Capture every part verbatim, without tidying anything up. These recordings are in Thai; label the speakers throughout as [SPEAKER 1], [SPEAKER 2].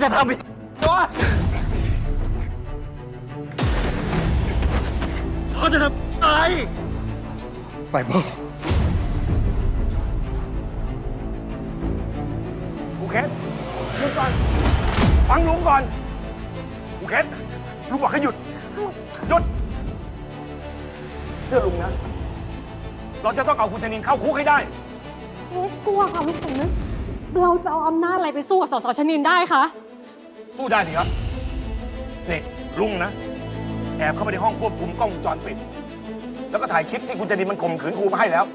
[SPEAKER 1] จะทำอีกวะเขาจะทำอะไรไปบอก
[SPEAKER 2] กูเคสหยุดก่อนฟังลุงก่อนกูเคสลุงบอกให้หยุดหยุดเชื่อลุงนะเราจะต้องเอาคุณธนินเข้าคุกให้ได้
[SPEAKER 3] ไม่กลัวค่ะลูกสมนึกเราจะเอาอำนาจอะไรไปสู้กับสสชนินได้คะ
[SPEAKER 2] สู้ได้สิครับนี่ลุงนะแอบเข้าไปในห้องควบคุมกล้องวงจรปิดแล้วก็ถ่ายคลิปที่คุณธนินมันข่มขืนครูมาให้แล้ว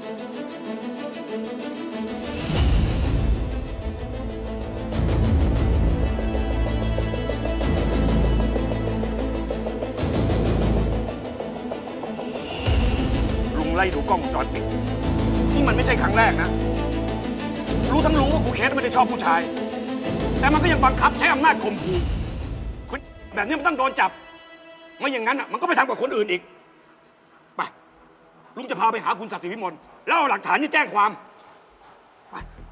[SPEAKER 2] ลุงไล่ดูกล้องวงจรปิดนี่มันไม่ใช่ครั้งแรกนะรู้ทั้งรู้ว่าครูเคสไม่ได้ชอบผู้ชายแต่มันก็ยังบังคับใช้อำนาจข่มขู่คนแบบนี้มันต้องโดนจับไม่อย่างนั้นอ่ะมันก็ไปทำกับคนอื่นอีกไปลุงจะพาไปหาคุณศักดิ์ศรีวิมลแล้วเอาหลักฐานนี่แจ้งความไป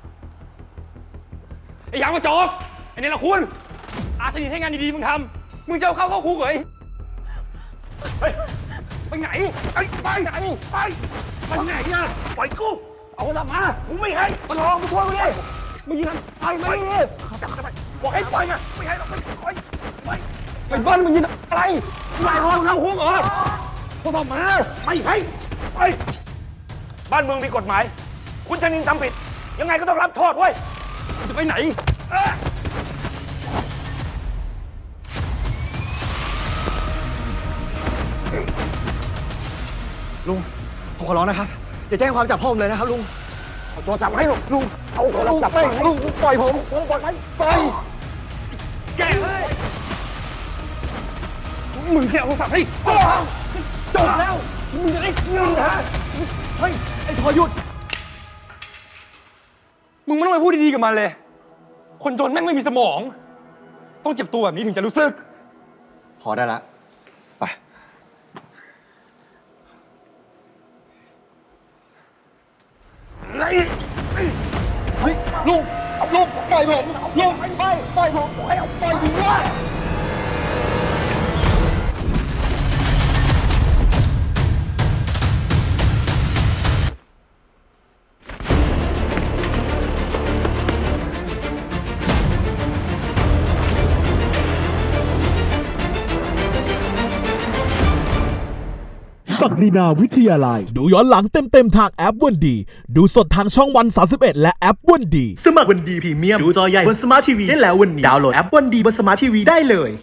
[SPEAKER 2] ไอ้ยางมาโจกไอ้นี่ละคุณอาสนิทให้งานดีๆมึงทำมึงจะเอาเข้าเข้าคุกเหรอเฮ้ยไปไหนไปไปไหนไปไปไหนอ่ะปล่อยกูเอาละมากูไม่ให้มาลองมาช่วยกูดิมึงยิงกันไปไม่ได้จับทำไมบอกให้ไปไงไม่ให้เราไปไปไปไปบ้านมึงยิงอะไรนายห้องเข้าคุกเหรอพวกเรามาไม่ให้ไปบ้านเมืองมีกฎหมายคุณชนินทำผิดยังไงก็ต้องรับโทษเว้ยจะไปไหน
[SPEAKER 1] ลุงผมขอร้องนะครับอย่าแจ้งความจับพ่อผมเลยนะครับลุง
[SPEAKER 2] เอาโทรศัพท์มาให้ลุงลุงเอาโทรศัพท์
[SPEAKER 1] ไม่
[SPEAKER 2] มา
[SPEAKER 1] ลุงปล่อยผมผมปล่อยไปปล่อย
[SPEAKER 2] แกเลยมึงแค่เอาโทรศัพท์ให้จบแล้วมึงจะได้เงินฮะเฮ้ยไอ้ทอหยุดมึงไม่ต้องไปพูดดีๆกับมันเลยคนจนแม่งไม่มีสมองต้องเจ็บตัวแบบนี้ถึงจะรู้สึก
[SPEAKER 1] พอได้ละไปเฮ้ยลุงลุงปล่อยผมลุงไปปล่อยผมปล่อยปล่อยดีว่า
[SPEAKER 4] ศักดินาวิทยาลัยดูย้อนหลังเต็มๆทางแอปวันดีดูสดทางช่องวันสามสิบเอ็ดและแอปวันดี
[SPEAKER 5] สมัครวันดีพรีเมียมดูจอใหญ่บนสมาร์ททีวีได้แล้ววันนี้ดาวน์โหลดแอปวันดีบนสมาร์ททีวีได้เลย